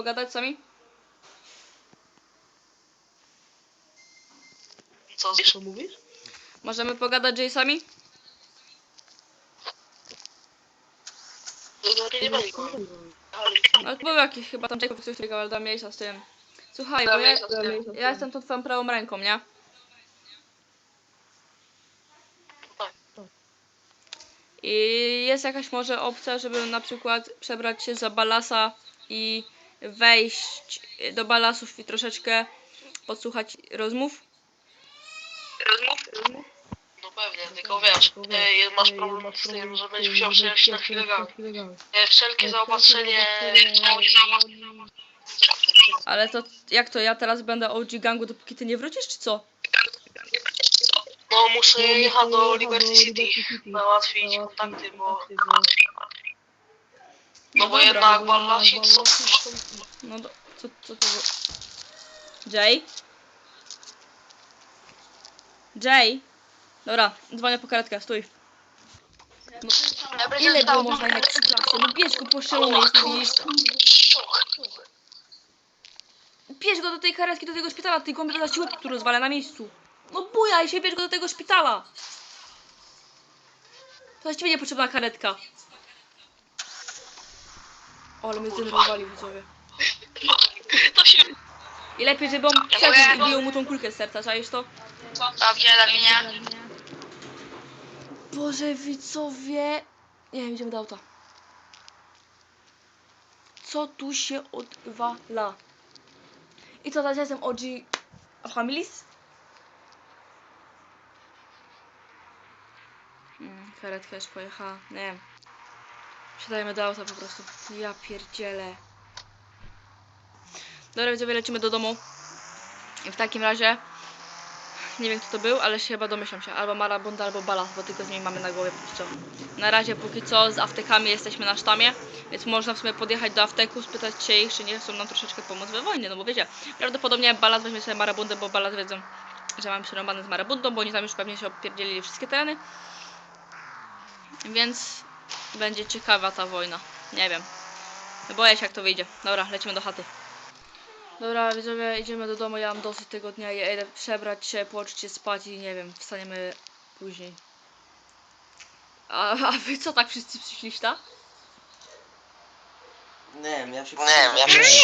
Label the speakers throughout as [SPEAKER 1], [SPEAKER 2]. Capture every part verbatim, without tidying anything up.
[SPEAKER 1] pogadać sami?
[SPEAKER 2] Co, co mówisz?
[SPEAKER 1] Możemy pogadać Jay sami?
[SPEAKER 2] Nie będzie.
[SPEAKER 1] Ale był jakiś chyba tam Jacob coś takiego, ale da miejsca z tym. Słuchaj, bo ja, ja jestem tą twoją prawą ręką, nie? I jest jakaś może opcja, żeby na przykład przebrać się za Balasa i wejść do Balasów i troszeczkę podsłuchać rozmów?
[SPEAKER 2] Rozmów? No pewnie, tylko wiesz, e, masz problem z tym, że będziesz musiał przejść na chwilę gamy. E, Wszelkie zaopatrzenie...
[SPEAKER 1] Ale to jak to, ja teraz będę O G gangu, dopóki ty nie wrócisz, czy co?
[SPEAKER 2] No muszę jechać do Liberty City, załatwić kontakty, bo... No bo jednak Ballasi są...
[SPEAKER 1] No do, co, co to było? Jay? Jay? Dobra, dzwonię po karetkę, stój. No, ile było można jednak przy klasie? No bierz go, poszczelony jest, widzisz? Bierz go do tej karetki, do tego szpitala, tej gąbie za siłę, który rozwala na miejscu. No bujaj się, bierz go do tego szpitala. To właściwie niepotrzebna karetka. O, ale mnie zdenerwowali widzowie.
[SPEAKER 2] To się...
[SPEAKER 1] I lepiej, żeby on przeszedł i bił mu tą kulkę z serca, czaisz to?
[SPEAKER 2] Dobrze, dla mnie.
[SPEAKER 1] Boże, widzowie... Nie wiem, idziemy do auta. Co tu się odwala? I co, teraz ja jestem O G... Familis? Hmm, karetka już pojechała, nie wiem. Wsiadajmy do auta po prostu. Ja pierdzielę. Dobra, widzowie, lecimy do domu. I w takim razie... Nie wiem kto to był, ale się chyba domyślam się. Albo Marabunda, albo Balas, bo tylko z nimi mamy na głowie póki co. Na razie póki co z aftekami jesteśmy na sztamie, więc można w sumie podjechać do afteku, spytać się ich, czy nie chcą nam troszeczkę pomóc we wojnie, no bo wiecie, prawdopodobnie Balas weźmie sobie Marabundę, bo Balas wiedzą, że mamy przerąbane z Marabundą, bo oni tam już pewnie się opierdzielili wszystkie tereny. Więc będzie ciekawa ta wojna. Nie wiem. Boję się jak to wyjdzie. Dobra, lecimy do chaty. Dobra, widzowie, idziemy do domu, ja mam dosyć tego dnia, ja idę przebrać się, położyć się spać i nie wiem, wstaniemy później. A, a wy co tak wszyscy przyszliście, tak?
[SPEAKER 3] Nie wiem, ja się...
[SPEAKER 2] Nie wiem, ja się...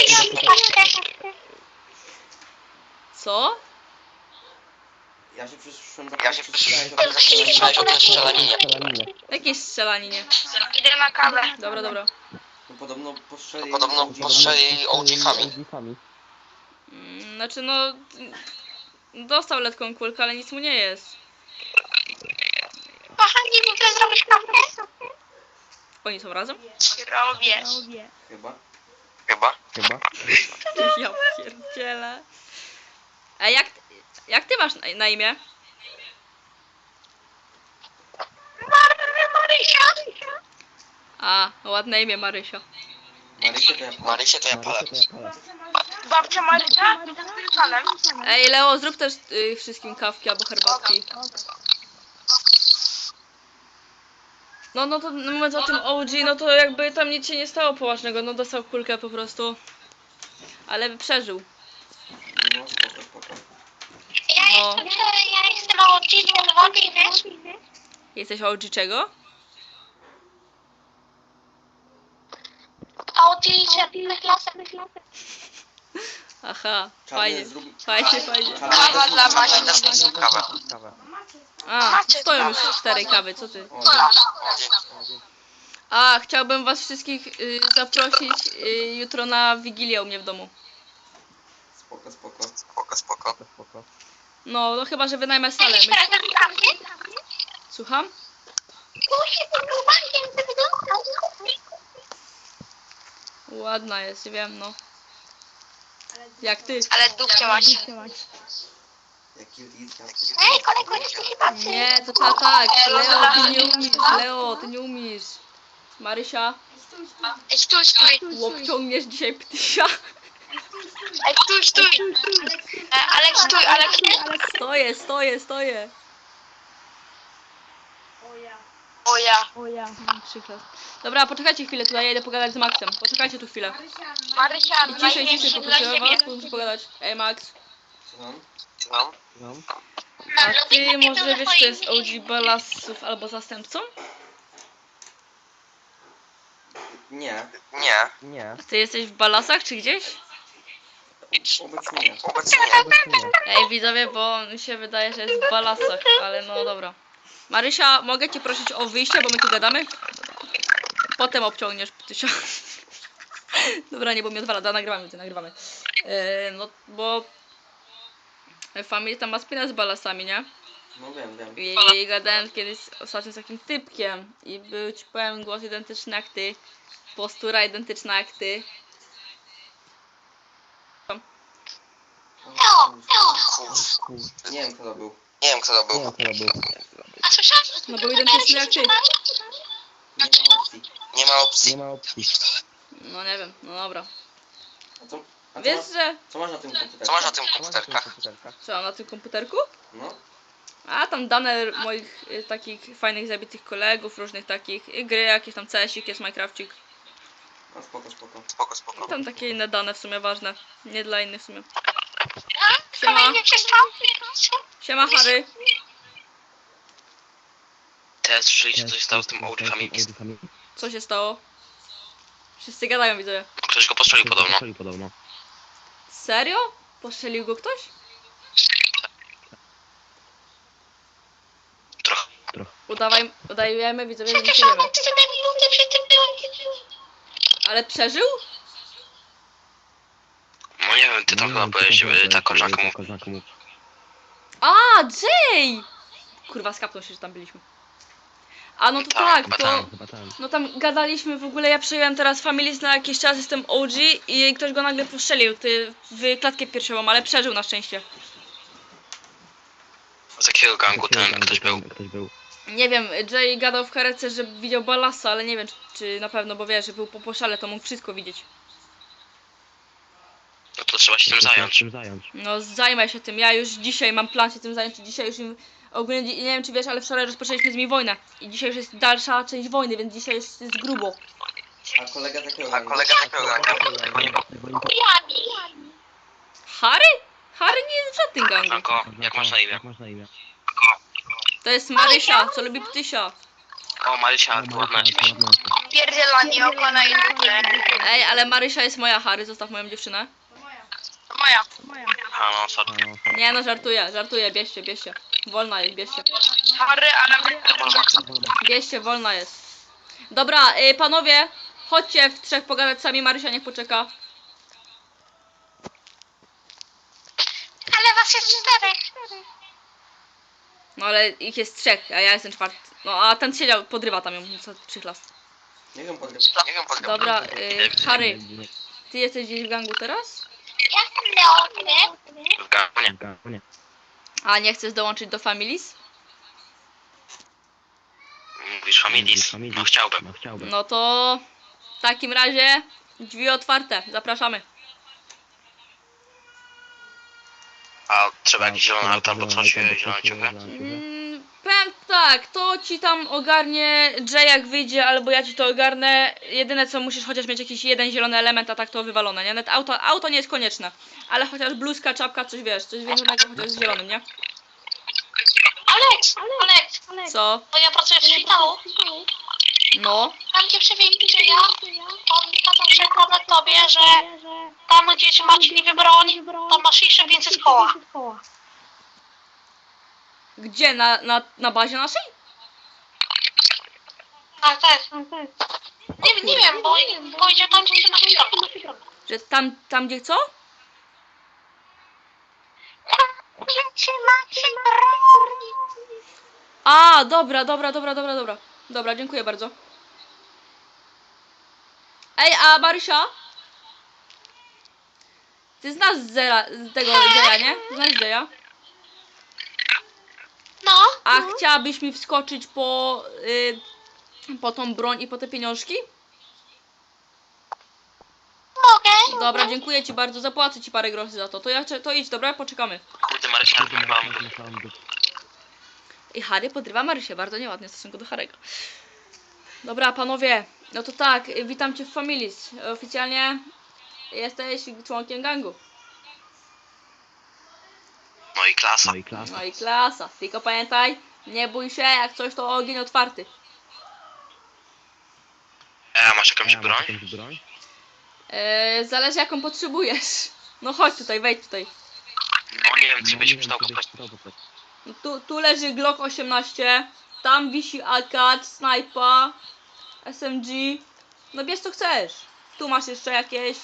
[SPEAKER 1] Co?
[SPEAKER 3] Ja się przyszłem za...
[SPEAKER 2] Ja się przyszedłem o tej strzelaninie.
[SPEAKER 1] Jakieś strzelaninie.
[SPEAKER 2] Idę na kawę.
[SPEAKER 1] Dobra, dobra.
[SPEAKER 3] No podobno postrzeli...
[SPEAKER 2] Podobno postrzeli O G-fami.
[SPEAKER 1] Mm, znaczy no... Dostał letką kulkę, ale nic mu nie jest.
[SPEAKER 2] Kochani, mogę zrobić kawę?
[SPEAKER 1] Oni są razem?
[SPEAKER 2] Robię.
[SPEAKER 3] Chyba.
[SPEAKER 2] Chyba? Chyba.
[SPEAKER 1] Ja pierdzielę. A jak... Jak ty masz na, na imię?
[SPEAKER 2] Marysia.
[SPEAKER 1] A, ładne imię Marysia.
[SPEAKER 3] Marysię to ja...
[SPEAKER 2] Marysia to ja palę. Babcia Marysia? Z panem.
[SPEAKER 1] Ej, Leo, zrób też y, wszystkim kawki albo herbatki. No, no to no, mówiąc o tym O G, no to jakby tam nic się nie stało poważnego, no dostał kulkę po prostu. Ale przeżył.
[SPEAKER 3] No spoko, spoko.
[SPEAKER 4] Ja
[SPEAKER 1] No.
[SPEAKER 4] jestem, ja jestem O G czerwony, wiesz?
[SPEAKER 1] Jesteś O G czego?
[SPEAKER 4] O G czerwony lasem.
[SPEAKER 1] Aha,
[SPEAKER 3] Czarny,
[SPEAKER 1] fajnie,
[SPEAKER 3] zrób-
[SPEAKER 1] fajnie, fajnie.
[SPEAKER 2] Kawa dla Basi na stosą kawę.
[SPEAKER 1] A, stoją już cztery kawy, co ty?
[SPEAKER 3] O, dzięki.
[SPEAKER 1] A, chciałbym was wszystkich y, zaprosić y, jutro na Wigilię u mnie w domu.
[SPEAKER 3] Spoko, spoko.
[SPEAKER 2] Spoko, spoko.
[SPEAKER 1] No, no chyba, że wynajmę salę.
[SPEAKER 4] Jakiś
[SPEAKER 1] My...
[SPEAKER 4] prezent dla mnie?
[SPEAKER 1] Słucham?
[SPEAKER 4] Tu się tym bankiem wyglądał.
[SPEAKER 1] Ładna jest, wiem, no. Jak ty?
[SPEAKER 4] Ale dupcie masz.
[SPEAKER 3] Jaki list, ja...
[SPEAKER 4] Ej, kolego, jesteś chyba ty.
[SPEAKER 1] Nie, to tak, tak. Leo, ty nie umiesz. Leo, ty nie umiesz. Marysia,
[SPEAKER 4] Ej, stój, stój.
[SPEAKER 1] łokciągniesz dzisiaj ptysia.
[SPEAKER 4] Ej, stój, stój. E, Aleks, stój, Aleks, nie?
[SPEAKER 1] Stoję, stoję, stoję.
[SPEAKER 4] O ja.
[SPEAKER 1] O ja, mam przykład. Dobra, poczekajcie chwilę, tutaj ja idę pogadać z Maxem. Poczekajcie tu chwilę.
[SPEAKER 4] Marysia,
[SPEAKER 1] I ciszej, ciszej,
[SPEAKER 4] największy dla
[SPEAKER 1] poproszę
[SPEAKER 4] ciebie.
[SPEAKER 1] was, muszę pogadać. Ej Max,
[SPEAKER 3] Słucham?
[SPEAKER 1] a ty może wiesz, kto jest O G Balasów albo zastępcą?
[SPEAKER 3] Nie.
[SPEAKER 5] Nie. Nie.
[SPEAKER 1] Ty jesteś w Balasach czy gdzieś?
[SPEAKER 3] Obecnie nie.
[SPEAKER 5] Obecnie nie.
[SPEAKER 1] Ej widzowie, bo mi się wydaje, że jest w Balasach, ale no dobra. Marysia, mogę cię prosić o wyjście, bo my tu gadamy? Potem obciągniesz tysia. Dobra, nie, bo mi odwala, da, nagrywamy, ty nagrywamy. Yy, no, bo... Familia tam ma spinę z Balasami, nie?
[SPEAKER 3] No wiem, wiem.
[SPEAKER 1] I, i gadałem kiedyś ostatnio z takim typkiem i był ci powiem głos identyczny jak ty, postura identyczna jak ty.
[SPEAKER 3] Nie wiem kto to był.
[SPEAKER 5] Nie wiem kto to był.
[SPEAKER 4] A słyszałeś?
[SPEAKER 1] No był identyczny jak ty.
[SPEAKER 3] Nie ma opcji.
[SPEAKER 5] Nie ma opcji.
[SPEAKER 6] Nie ma opcji.
[SPEAKER 1] No nie wiem, no dobra.
[SPEAKER 3] A co, a co,
[SPEAKER 1] Wiesz,
[SPEAKER 3] masz,
[SPEAKER 1] że...
[SPEAKER 3] co masz na tym komputerze?
[SPEAKER 5] Co masz na tym komputerkach?
[SPEAKER 1] Co mam na tym komputerku?
[SPEAKER 3] No.
[SPEAKER 1] A tam dane moich y, takich fajnych zabitych kolegów, różnych takich y, gry, jakieś tam C S ik, jest Minecrafcik.
[SPEAKER 3] A spoko, spoko.
[SPEAKER 5] Spoko, spoko.
[SPEAKER 1] I tam takie inne dane w sumie ważne. Nie dla innych w sumie. Siema.
[SPEAKER 4] Kolejny przestał.
[SPEAKER 1] Siema Harry.
[SPEAKER 5] Teraz słyszeliście co się stało z tym O G Family?
[SPEAKER 1] Co się stało? Wszyscy gadają, widzowie.
[SPEAKER 5] Ktoś go postrzelił podobno.
[SPEAKER 6] podobno.
[SPEAKER 1] Serio? Postrzelił go ktoś?
[SPEAKER 5] Trochę.
[SPEAKER 1] Udawaj, udajemy, widzowie, że nie
[SPEAKER 4] Przecież
[SPEAKER 1] wiemy.
[SPEAKER 4] Robert, ty te minuty przy tym byłem.
[SPEAKER 1] Ale przeżył?
[SPEAKER 5] No nie wiem, ty tam chyba byłeś, żeby ta koleżanka mu...
[SPEAKER 1] A, Jay! Kurwa, skapnął się, że tam byliśmy. A no to
[SPEAKER 5] Tak,
[SPEAKER 1] tak,
[SPEAKER 5] chyba
[SPEAKER 1] to...
[SPEAKER 5] tam.
[SPEAKER 6] Chyba tam.
[SPEAKER 1] No tam gadaliśmy w ogóle, ja przyjąłem teraz Families na jakiś czas, jestem O G i ktoś go nagle postrzelił, ty w klatkę piersiową, ale przeżył na szczęście.
[SPEAKER 5] Z jakiego gangu ten ktoś był?
[SPEAKER 6] Ktoś był.
[SPEAKER 1] Nie wiem, Jay gadał w karetce, że widział Balasa, ale nie wiem czy, czy na pewno, bo wiesz, że był po poszale, to mógł wszystko widzieć.
[SPEAKER 5] No to trzeba się tym zająć.
[SPEAKER 6] Tym zająć.
[SPEAKER 1] No zajmę się tym, ja już dzisiaj mam plan się tym zająć i dzisiaj już im... Ogólnie nie wiem czy wiesz, ale wczoraj rozpoczęliśmy z nimi wojnę i dzisiaj już jest dalsza część wojny, więc dzisiaj jest, jest grubo.
[SPEAKER 3] A kolega z jakiego
[SPEAKER 5] A
[SPEAKER 3] gangu?
[SPEAKER 5] kolega z jakiego gangu?
[SPEAKER 4] Jami.
[SPEAKER 1] Harry? Harry nie jest w żadnym gangu.
[SPEAKER 5] Franko, jak masz na imię?
[SPEAKER 6] Jak masz na imię?
[SPEAKER 1] To jest Marysia, co lubi ptysia.
[SPEAKER 5] O, Marysia, ładna jesteś.
[SPEAKER 4] Pierdzielanie oko na YouTube.
[SPEAKER 1] Ej, ale Marysia jest moja, Harry, zostaw moją dziewczynę.
[SPEAKER 4] Moja.
[SPEAKER 5] A no, sorry.
[SPEAKER 1] Nie no, żartuję, żartuję, bierzcie, bierzcie. Wolna jest, bierzcie.
[SPEAKER 4] Harry, ale
[SPEAKER 1] Bierzcie, wolna jest. Dobra, y, panowie, chodźcie w trzech pogadać sami, Marysia niech poczeka.
[SPEAKER 4] Ale was jest czterech.
[SPEAKER 1] No ale ich jest trzech, a ja jestem czwarty. No a ten siedział, podrywa tam ją, co przychlas.
[SPEAKER 3] Nie wiem podryw.
[SPEAKER 5] Nie wiem, podgram.
[SPEAKER 1] Dobra, y, Harry, ty jesteś gdzieś w gangu teraz?
[SPEAKER 4] Ja jestem Leon,
[SPEAKER 5] W gangu nie.
[SPEAKER 6] Nie.
[SPEAKER 1] A nie chcesz dołączyć do Families?
[SPEAKER 5] Mówisz Familis? No chciałbym.
[SPEAKER 6] No chciałbym.
[SPEAKER 1] No to w takim razie drzwi otwarte, zapraszamy.
[SPEAKER 5] A trzeba jakiś zielony altar albo coś, zielone ciuchy?
[SPEAKER 1] Mm, powiem tak, to ci tam ogarnie Jay jak wyjdzie, albo ja ci to ogarnę. Jedyne co musisz chociaż mieć jakiś jeden zielony element, a tak to wywalone, nie? Nawet auto, auto nie jest konieczne. Ale chociaż bluzka, czapka, coś wiesz, coś większego chociaż z zielonym, nie?
[SPEAKER 4] Alex, Alex,
[SPEAKER 1] Co?
[SPEAKER 4] bo ja pracuję w szpitalu.
[SPEAKER 1] No.
[SPEAKER 4] Tam gdzie przewieźli Jaya, on kazał przekazać tobie, że tam gdzie macie niby broń, tam masz jeszcze więcej z koła.
[SPEAKER 1] Gdzie? Na, na, na bazie naszej?
[SPEAKER 4] Tak, tak. Nie, nie wiem, bo powiedział tam gdzie macie broń.
[SPEAKER 1] Że tam, tam gdzie co?
[SPEAKER 4] Tam gdzie macie broń.
[SPEAKER 1] A, dobra, dobra, dobra, dobra, dobra. Dobra, dziękuję bardzo. Ej, a Marysia? Ty znasz Zera, z tego Jaya, nie? Znasz Jaya?
[SPEAKER 4] No,
[SPEAKER 1] A chciałabyś mi wskoczyć po, y, po tą broń i po te pieniążki?
[SPEAKER 4] mogę.
[SPEAKER 1] Dobra, dziękuję ci bardzo, zapłacę ci parę groszy za to. To, ja, to idź, dobra? Poczekamy.
[SPEAKER 5] Kurde, Marysia, chyba...
[SPEAKER 1] I Harry podrywa Marysię, bardzo nieładnie w stosunku do Harry'ego. Dobra, panowie, no to tak, y, witam cię w Familis. Oficjalnie jesteś członkiem gangu.
[SPEAKER 5] No i klasa.
[SPEAKER 6] No i klasa.
[SPEAKER 1] No i klasa. Tylko pamiętaj, nie bój się, jak coś to ogień otwarty.
[SPEAKER 5] E, a masz jakąś
[SPEAKER 6] Ja, masz
[SPEAKER 5] broń?
[SPEAKER 6] jakąś broń?
[SPEAKER 1] Yy, zależy jaką potrzebujesz. No chodź tutaj, wejdź tutaj.
[SPEAKER 5] No nie wiem, czy
[SPEAKER 6] No,
[SPEAKER 5] byś
[SPEAKER 6] nie
[SPEAKER 5] mi
[SPEAKER 6] wiem,
[SPEAKER 5] przydał
[SPEAKER 6] czy
[SPEAKER 5] po
[SPEAKER 6] byś
[SPEAKER 5] prostu.
[SPEAKER 6] przydał po prostu.
[SPEAKER 1] No Tu, tu leży Glock osiemnaście, tam wisi A K, snajpa, S M G. No bierz co chcesz. Tu masz jeszcze jakieś.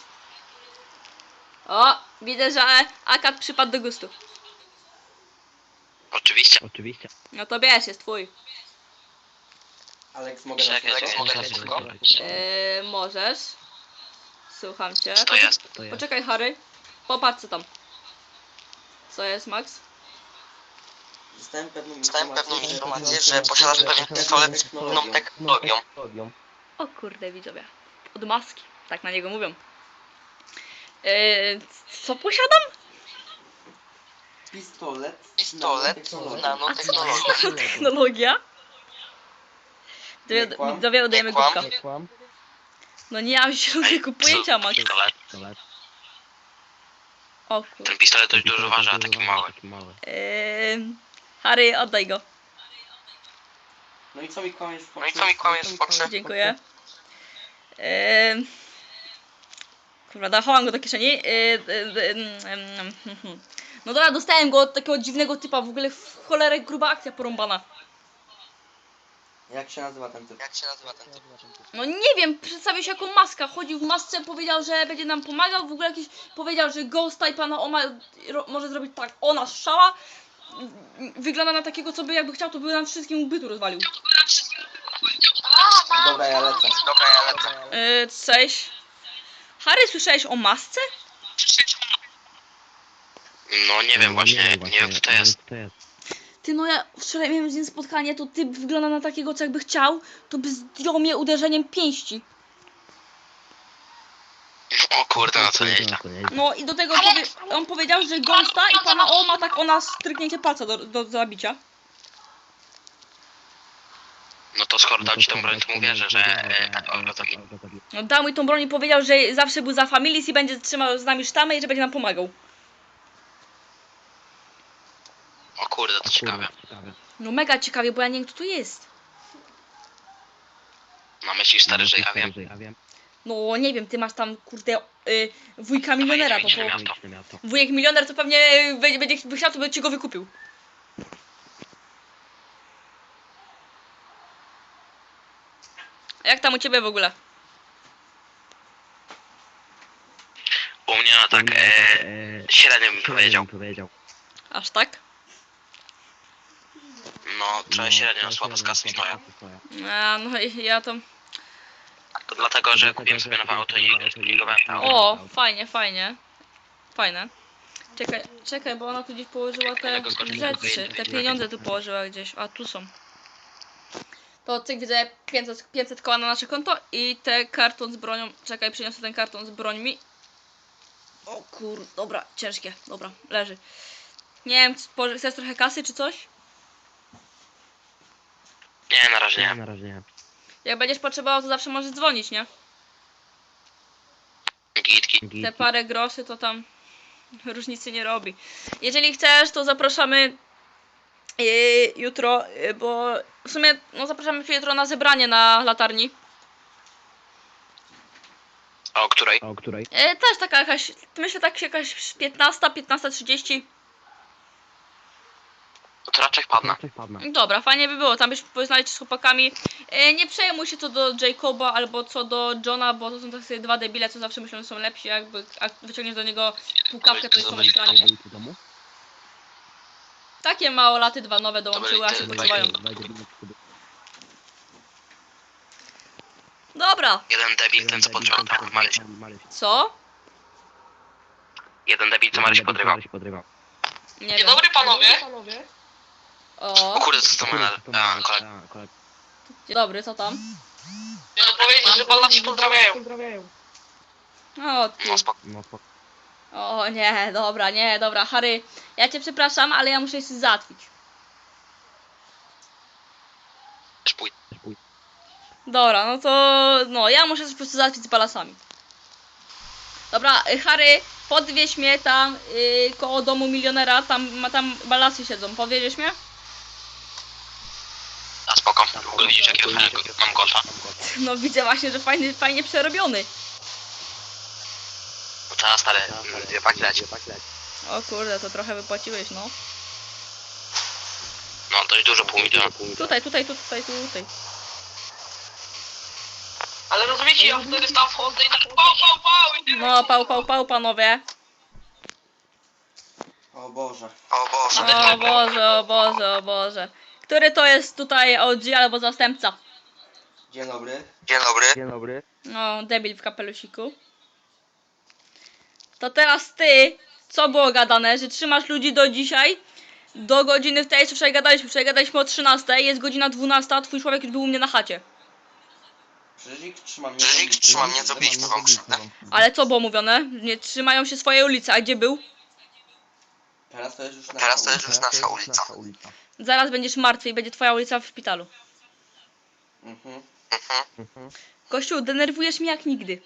[SPEAKER 1] O, widzę, że A K przypadł do gustu.
[SPEAKER 5] Oczywiście.
[SPEAKER 6] Oczywiście.
[SPEAKER 1] No to bierz, jest twój.
[SPEAKER 3] Alex, mogę na
[SPEAKER 5] Czekaj,
[SPEAKER 3] słowo?
[SPEAKER 5] mogę na słowo?
[SPEAKER 1] Yy, możesz. Słucham cię.
[SPEAKER 5] Co to jest?
[SPEAKER 6] To jest.
[SPEAKER 1] Poczekaj, Harry. Popatrz co tam. Co jest, Max?
[SPEAKER 3] Dostałem pewną
[SPEAKER 2] Dostałem pewną
[SPEAKER 3] informację,
[SPEAKER 2] informację, że posiadasz pewien pistolet z pewną technologią.
[SPEAKER 1] O kurde, widzowie. Od maski. Tak na niego mówią. Yy, co posiadam?
[SPEAKER 3] Pistolet.
[SPEAKER 2] Pistolet z
[SPEAKER 3] nanotechnologią.
[SPEAKER 2] nanotechnologią.
[SPEAKER 1] Technologia?
[SPEAKER 3] Nie
[SPEAKER 1] Widzowie,
[SPEAKER 3] kłam.
[SPEAKER 1] widzowie oddajemy
[SPEAKER 2] Nie kłam.
[SPEAKER 1] głupka.
[SPEAKER 6] Nie kłam.
[SPEAKER 1] No nie mam zielonego pojęcia, Max.
[SPEAKER 5] Pistolet.
[SPEAKER 6] Pistolet.
[SPEAKER 1] O kurde.
[SPEAKER 5] Ten pistolet dość dużo waży, a taki mały.
[SPEAKER 6] Taki mały.
[SPEAKER 1] Yy, Harry, oddaj go.
[SPEAKER 3] No i co mi kłamiesz w
[SPEAKER 2] No i co mi kłamiesz w Foxie?
[SPEAKER 1] Dziękuję. Yy, kurwa, dachowałam go do kieszeni. Yy, yy, yy, yy, yy, yy. No dobra, dostałem go od takiego dziwnego typa. W ogóle w cholerę gruba akcja porąbana.
[SPEAKER 3] Jak się nazywa ten typ?
[SPEAKER 2] Jak się nazywa ten typ?
[SPEAKER 1] No nie wiem, przedstawił się jako maska. Chodził w masce, powiedział, że będzie nam pomagał. W ogóle jakiś powiedział, że Ghost Type na Oma ro, może zrobić tak. Ona strzała. Wygląda na takiego, co by jakby chciał, to by nam wszystkim bytu rozwalił.
[SPEAKER 3] Dobra, ja lecę.
[SPEAKER 2] Dobra, ja lecę.
[SPEAKER 1] Yy, cześć. Harry, słyszałeś o masce?
[SPEAKER 5] No nie wiem właśnie, nie wiem kto to jest.
[SPEAKER 6] kto to jest.
[SPEAKER 1] Ty, no ja wczoraj miałem z nim spotkanie, to typ wygląda na takiego, co jakby chciał, to by zdjął mnie uderzeniem pięści.
[SPEAKER 5] O kurde, no to nieźle.
[SPEAKER 6] To nieźle.
[SPEAKER 1] No i do tego powie on powiedział, że Ghosta i pana O ma tak ona stryknięcie palca do, do zabicia.
[SPEAKER 5] No to skoro dał ci tą broń, to mu wierzę, że e, o, o, taki.
[SPEAKER 1] No dał mi tą broń i powiedział, że zawsze był za Familis i będzie trzymał z nami sztamę i że będzie nam pomagał.
[SPEAKER 5] O kurde, to ciekawe.
[SPEAKER 6] Ciekawe.
[SPEAKER 1] No mega ciekawie, bo ja nie wiem kto tu jest.
[SPEAKER 5] No myślisz stary, że ja wiem.
[SPEAKER 6] Ja wiem.
[SPEAKER 1] No nie wiem, ty masz tam kurde y, wujka milionera, to
[SPEAKER 5] Wejdzie
[SPEAKER 1] po...
[SPEAKER 5] miasto.
[SPEAKER 6] miasto.
[SPEAKER 1] Wujek milioner to pewnie będzie, będzie by chciał, to by ci go wykupił. A jak tam u ciebie w ogóle?
[SPEAKER 5] U mnie no tak, e, średnio bym powiedział.
[SPEAKER 6] powiedział.
[SPEAKER 1] Aż tak?
[SPEAKER 5] No, trochę średnio, no słabo z kasą stoję.
[SPEAKER 1] A, no i ja to...
[SPEAKER 5] To dlatego, że kupiłem sobie nowe auto i zbudowałem to auto.
[SPEAKER 1] O, fajnie, fajnie. Fajne. Czekaj, czekaj, bo ona tu gdzieś położyła te rzeczy. Te pieniądze tu położyła gdzieś. A, tu są. To cyk, widzę pięćset, pięćset koła na nasze konto i te karton z bronią. Czekaj, przyniosę ten karton z brońmi. O kur... Dobra, ciężkie. Dobra, leży. Nie wiem, czy chcesz trochę kasy czy coś?
[SPEAKER 5] Nie, na razie
[SPEAKER 6] Nie,
[SPEAKER 5] nie.
[SPEAKER 6] na razie nie.
[SPEAKER 1] Jak będziesz potrzebował, to zawsze możesz dzwonić, nie?
[SPEAKER 5] Git, git.
[SPEAKER 6] Git.
[SPEAKER 1] Te parę groszy to tam różnicy nie robi. Jeżeli chcesz, to zapraszamy yy, jutro, yy, bo w sumie no, zapraszamy cię jutro na zebranie na latarni.
[SPEAKER 5] A o której?
[SPEAKER 6] A o której?
[SPEAKER 1] Yy, też taka jakaś, myślę tak jakaś piętnasta, piętnasta trzydzieści.
[SPEAKER 5] No to raczej wpadnę.
[SPEAKER 6] Coś padna.
[SPEAKER 1] Dobra, fajnie by było, tam byś poznali się z chłopakami. Yy, nie przejmuj się co do Jacoba albo co do Johna, bo to są takie dwa debile, co zawsze myślą, że są lepsi, jakby a wyciągniesz do niego półkawkę, to jest są ekranie.
[SPEAKER 6] W domu?
[SPEAKER 1] Takie małolaty dwa nowe dołączyły, a się
[SPEAKER 5] byli-
[SPEAKER 1] poczuwają.
[SPEAKER 6] Wejdzie do-
[SPEAKER 1] Dobra,
[SPEAKER 5] Jeden debil, ten co podrywał tam Maryś.
[SPEAKER 1] co?
[SPEAKER 5] Jeden debil, co Maryś podrywał.
[SPEAKER 6] Maryś podrywał.
[SPEAKER 1] Nie
[SPEAKER 2] Dzień
[SPEAKER 1] wiem.
[SPEAKER 2] dobry panowie.
[SPEAKER 1] O,
[SPEAKER 5] O kurde, co to menel? A, kolega.
[SPEAKER 6] kolega.
[SPEAKER 1] dzień dobry, co tam?
[SPEAKER 2] Chciałem powiedzieć, że pana ci pozdrawiają.
[SPEAKER 1] O, ty.
[SPEAKER 5] No spoko.
[SPEAKER 6] No spoko.
[SPEAKER 1] O nie, dobra, nie, dobra, Harry, ja cię przepraszam, ale ja muszę się załatwić.
[SPEAKER 5] Też pójdę.
[SPEAKER 1] Dobra, no to... No, ja muszę coś po prostu załatwić z balasami. Dobra, y, Harry, podwieź mnie tam y, koło domu milionera, tam, ma, tam balasy siedzą, podwieziesz mnie?
[SPEAKER 5] A spoko, w ogóle widzisz jakiego fajnego mam golfa.
[SPEAKER 1] No widzę właśnie, że fajny, fajnie przerobiony.
[SPEAKER 5] No trzeba stary, dwie paki leci.
[SPEAKER 1] O kurde, to trochę wypłaciłeś, no.
[SPEAKER 5] No dość dużo, pół miliona.
[SPEAKER 1] Tutaj, tutaj, tu- tutaj, tutaj.
[SPEAKER 2] Ale rozumiecie, ja wtedy tam wchodzę i tak pał, pał, pał i tyle.
[SPEAKER 1] No, pał, pał, pał, panowie.
[SPEAKER 3] O Boże.
[SPEAKER 5] O Boże.
[SPEAKER 1] O Boże, o Boże, o Boże. Który to jest tutaj O G albo zastępca?
[SPEAKER 3] Dzień dobry.
[SPEAKER 5] Dzień dobry.
[SPEAKER 1] No, debil w kapelusiku. To teraz ty, co było gadane, że trzymasz ludzi do dzisiaj, do godziny w tej, co wczoraj gadaliśmy, wczoraj gadaliśmy o trzynastej, jest godzina dwunasta, a twój człowiek już był u mnie na chacie.
[SPEAKER 3] Przecież ich trzymam.
[SPEAKER 5] Przecież ich trzymam, nie zrobiliśmy wam krzywdę.
[SPEAKER 1] Ale co było mówione? Nie trzymają się swojej ulicy, a gdzie był?
[SPEAKER 3] Teraz to jest już nasza
[SPEAKER 5] Teraz to jest
[SPEAKER 3] ulica.
[SPEAKER 5] już nasza ulica.
[SPEAKER 1] Zaraz będziesz martwy i będzie twoja ulica w szpitalu.
[SPEAKER 3] Mhm.
[SPEAKER 1] Kościół, denerwujesz mnie jak nigdy.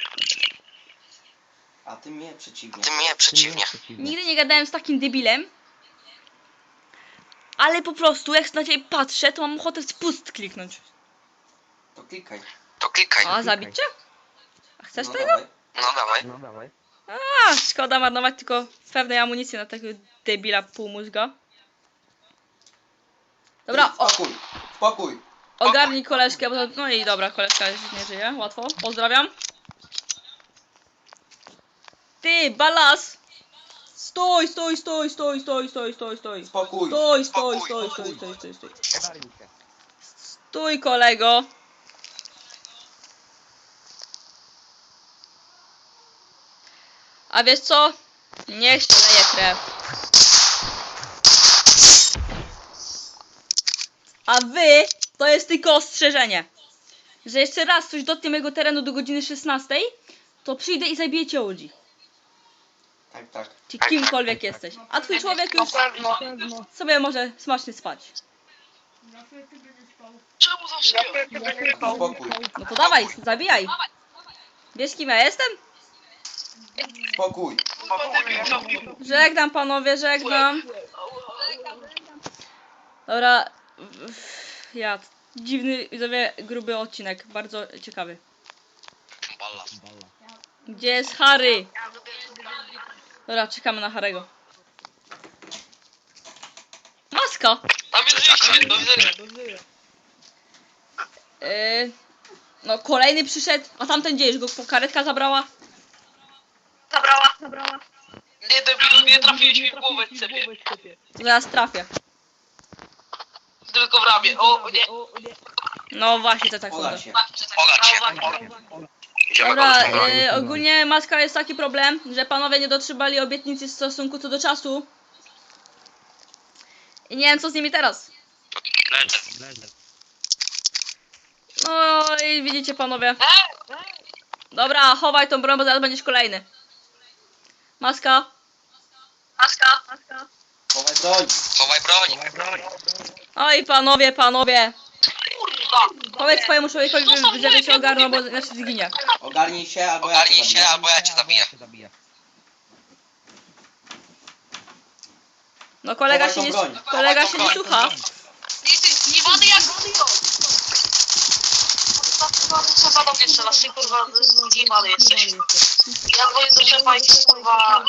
[SPEAKER 3] A ty mnie przeciwnie.
[SPEAKER 5] Ty mnie przeciwnie.
[SPEAKER 1] Nigdy nie gadałem z takim debilem. Ale po prostu, jak na ciebie patrzę, to mam ochotę spust kliknąć.
[SPEAKER 3] To klikaj.
[SPEAKER 5] To klikaj.
[SPEAKER 1] A, zabić cię? A chcesz
[SPEAKER 3] No
[SPEAKER 1] tego?
[SPEAKER 3] dawaj.
[SPEAKER 5] No dawaj.
[SPEAKER 1] A, szkoda marnować tylko pewnej amunicji na takiego debila półmózga. Dobra, o,
[SPEAKER 3] Spokój. Spokój.
[SPEAKER 1] ogarnij koleżkę, bo to, no i dobra, koleżka już nie żyje, łatwo, pozdrawiam. Ty, balas! Stój, stój, stój, stój, stój, stój, stój, stój.
[SPEAKER 3] Spokój.
[SPEAKER 1] Stój, stój, stój, stój, stój, stój, stój. Stój, kolego. A wiesz co? Niech się leje krew. A wy, to jest tylko ostrzeżenie. Że jeszcze raz coś dotknie mojego terenu do godziny szesnastej, to przyjdę i zabiję cię ludzi.
[SPEAKER 3] Tak, tak.
[SPEAKER 1] Czy kimkolwiek jesteś. A twój człowiek już sobie może smacznie spać.
[SPEAKER 2] Czemu zawsze ja?
[SPEAKER 3] Spokój.
[SPEAKER 1] No to dawaj, zabijaj. Wiesz kim ja jestem?
[SPEAKER 3] Spokój.
[SPEAKER 1] Żegnam panowie, żegnam. Dobra. Ja. Dziwny, widzowie, gruby odcinek. Bardzo ciekawy.
[SPEAKER 5] Balla.
[SPEAKER 1] Gdzie jest Harry? Dobra, czekamy na Harry'ego. Maska!
[SPEAKER 2] Tam jest wyjście, do widzenia.
[SPEAKER 1] Yy, no kolejny przyszedł, a tamten gdzie? Już go po karetka zabrała?
[SPEAKER 4] Zabrała, zabrała.
[SPEAKER 2] Nie debilu, nie trafiłeś mi w głowę, cepie.
[SPEAKER 1] Zaraz trafię.
[SPEAKER 2] Tylko w ramię, o nie.
[SPEAKER 1] No właśnie, to tak
[SPEAKER 3] Poda
[SPEAKER 1] sądzę.
[SPEAKER 3] się.
[SPEAKER 5] Pogadź się. Idziemy
[SPEAKER 1] Dobra,
[SPEAKER 5] go
[SPEAKER 1] yy, ogólnie Maska jest taki problem, że panowie nie dotrzymali obietnicy w stosunku co do czasu. I nie wiem co z nimi teraz.
[SPEAKER 5] Leżę.
[SPEAKER 1] No i widzicie panowie. Dobra, chowaj tą broń, bo zaraz będziesz kolejny. Maska.
[SPEAKER 4] Maska, maska.
[SPEAKER 3] Chowaj broń.
[SPEAKER 5] Chowaj broń.
[SPEAKER 1] Oj panowie, panowie.
[SPEAKER 2] Kurwa.
[SPEAKER 1] Powiedz swojemu człowiekowi, żeby- żeby się ogarnął, bo inaczej zginie.
[SPEAKER 3] Ogarnij się albo ja cię
[SPEAKER 5] Ogarnij się,
[SPEAKER 3] zabiję.
[SPEAKER 5] albo ja cię zabiję.
[SPEAKER 1] No kolega
[SPEAKER 3] Chowaj
[SPEAKER 1] się nie,
[SPEAKER 3] tą broń.
[SPEAKER 1] kolega się nie
[SPEAKER 5] Chowaj tą
[SPEAKER 1] słucha.
[SPEAKER 2] Jesteś zniewany jak Kurwa do mnie strzelasz, ty kurwa zniewany jesteś. Ja dzwonię do szefa i kurwa...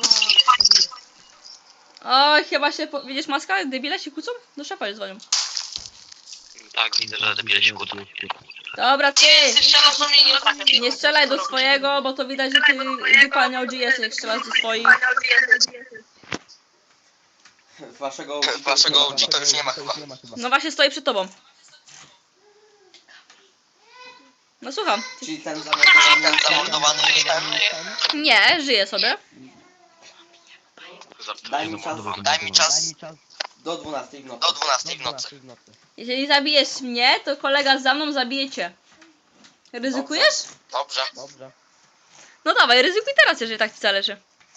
[SPEAKER 1] Oj, chyba się, po... widzisz Maska? Debile się kłócą? Do szefa już dzwonią.
[SPEAKER 5] Tak, widzę, że debile się kłócą.
[SPEAKER 1] Dobra, ty.
[SPEAKER 2] Ty strzelasz do mnie, nie trafiasz.
[SPEAKER 1] Nie strzelaj do swojego, bo to widać, że ty dupa O G jest, jak strzelasz do swoich.
[SPEAKER 3] Waszego
[SPEAKER 5] Waszego O G to już nie ma chyba.
[SPEAKER 1] No właśnie stoi przed tobą. No słucham.
[SPEAKER 3] Czyli ten zamordowany.
[SPEAKER 5] Ten zamordowany ten...
[SPEAKER 1] Nie, żyje sobie.
[SPEAKER 3] Daj mi czas
[SPEAKER 5] Daj mi czas
[SPEAKER 3] do dwunastej w nocy.
[SPEAKER 5] do dwunastej w nocy.
[SPEAKER 1] Jeżeli zabijesz mnie, to kolega za mną zabije cię. Ryzykujesz?
[SPEAKER 5] Dobrze.
[SPEAKER 1] No dawaj, ryzykuj teraz, jeżeli tak ci zależy.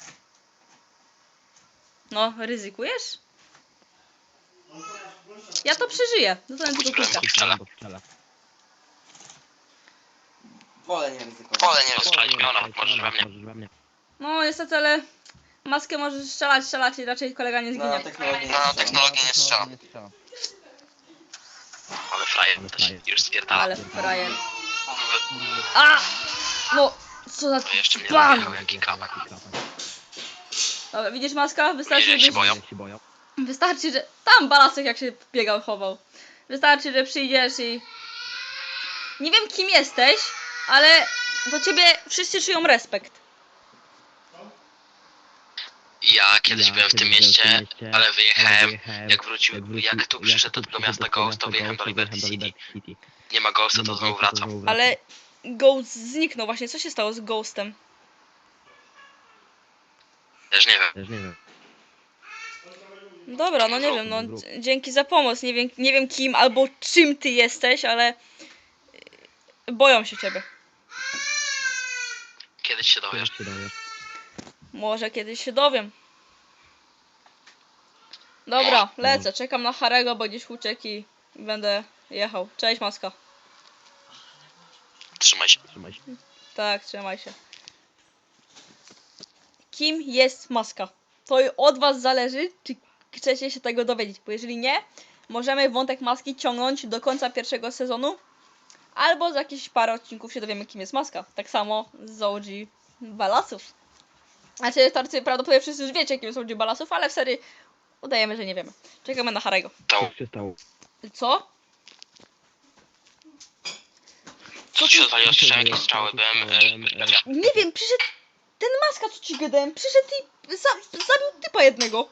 [SPEAKER 1] No, ryzykujesz? Ja to przeżyję. Dostanę tylko kulkę.
[SPEAKER 5] Strzelę.
[SPEAKER 3] Wolę nie ryzykować.
[SPEAKER 5] Wolę nie rozstrzelić piona, możesz we mnie.
[SPEAKER 1] No niestety, ale maskę możesz strzelać, strzelać i raczej kolega nie
[SPEAKER 3] Na
[SPEAKER 1] zginie.
[SPEAKER 3] technologię nie
[SPEAKER 5] No,
[SPEAKER 3] strzelam.
[SPEAKER 5] technologię nie strzelam. Ale frajer też już spierdala.
[SPEAKER 1] Ale frajer. A! No, co za
[SPEAKER 5] To jeszcze mnie
[SPEAKER 1] pan!
[SPEAKER 5] zajechał jaki kawak.
[SPEAKER 1] Dobra, widzisz maska? Wystarczy,
[SPEAKER 5] Widzisz, jak się
[SPEAKER 1] żebyś...
[SPEAKER 5] boją?
[SPEAKER 1] Wystarczy, że... Tam balasek jak się biegał, chował. Wystarczy, że przyjdziesz i... Nie wiem kim jesteś, ale do ciebie wszyscy czują respekt.
[SPEAKER 5] Ja kiedyś byłem w tym mieście, ale wyjechałem, jak wrócił, jak tu przyszedł do tego miasta Ghost, to wyjechałem do Liberty City. Nie ma Ghosta, to znowu wracam.
[SPEAKER 1] Ale Ghost zniknął właśnie. Co się stało z Ghostem?
[SPEAKER 5] Też nie wiem.
[SPEAKER 1] Dobra, no nie wiem, no d- dzięki za pomoc. Nie wiem, nie wiem kim albo czym ty jesteś, ale... y, Boją się ciebie.
[SPEAKER 5] Kiedyś się dowiesz.
[SPEAKER 1] Może kiedyś się dowiem. Dobra, lecę. Czekam na Harego, bo gdzieś uciekł i będę jechał. Cześć, maska.
[SPEAKER 5] Trzymaj się.
[SPEAKER 1] Tak, trzymaj się. Kim jest maska? To od was zależy, czy chcecie się tego dowiedzieć, bo jeżeli nie, możemy wątek maski ciągnąć do końca pierwszego sezonu, albo za jakieś parę odcinków się dowiemy, kim jest maska. Tak samo z O G Balasów. Znaczy, tarcy prawdopodobnie wszyscy już wiecie, kim jest O G Balasów, ale w serii udajemy, że nie wiemy. Czekamy na Harego.
[SPEAKER 5] To,
[SPEAKER 1] Co?
[SPEAKER 5] co ci się odwaliło? Słyszałem jakieś strzały, byłem... e,
[SPEAKER 1] Nie wiem, przyszedł ten maska, co ci gadałem, przyszedł i za, zabił typa jednego.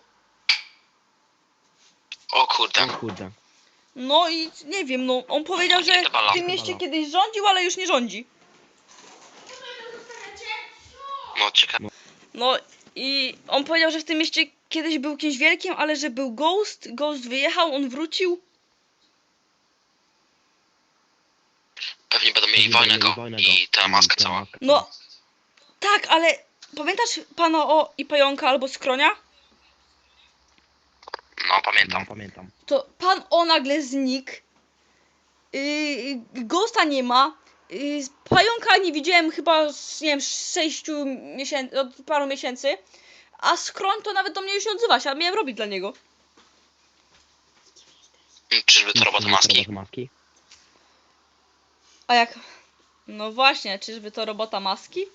[SPEAKER 5] O kurde.
[SPEAKER 1] No i nie wiem, no on powiedział, że w tym mieście kiedyś rządził, ale już nie rządzi.
[SPEAKER 5] No ciekawe.
[SPEAKER 1] No i on powiedział, że w tym mieście kiedyś był kimś wielkim, ale że był Ghost, Ghost wyjechał, on wrócił.
[SPEAKER 5] Pewnie będą mieli wojnę go i ta maska cała.
[SPEAKER 1] No tak, ale pamiętasz pana o i pająka albo skronia?
[SPEAKER 5] No pamiętam.
[SPEAKER 1] To pan o nagle znikł. Yy, Ghosta nie ma. Yy, pająka nie widziałem chyba z, nie wiem, sześciu miesięcy, od paru miesięcy. A skroń to nawet do mnie już nie odzywa się, a miałem robić dla niego.
[SPEAKER 5] Czyżby to robota maski?
[SPEAKER 1] A jak? No właśnie, czyżby to robota maski?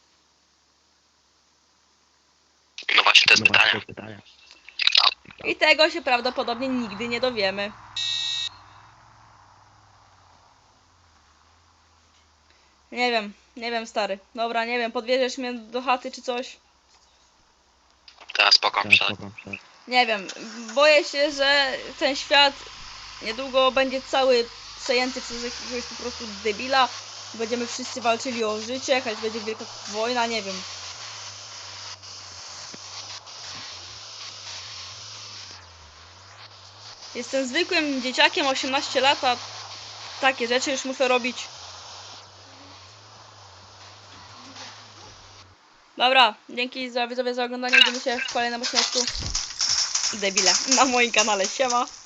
[SPEAKER 5] No właśnie, to jest pytanie.
[SPEAKER 1] I tego się prawdopodobnie nigdy nie dowiemy. Nie wiem, nie wiem stary. Dobra, nie wiem, podwieziesz mnie do chaty czy coś?
[SPEAKER 5] Teraz spoko, przed.
[SPEAKER 1] Nie wiem, boję się, że ten świat niedługo będzie cały przejęty przez jakiegoś po prostu debila. Będziemy wszyscy walczyli o życie, jakaś będzie wielka wojna, nie wiem. Jestem zwykłym dzieciakiem, osiemnaście lat, a takie rzeczy już muszę robić. Dobra, dzięki za widzowie za oglądanie, widzimy się w kolejnym odcinku. Debile, na moim kanale, siema.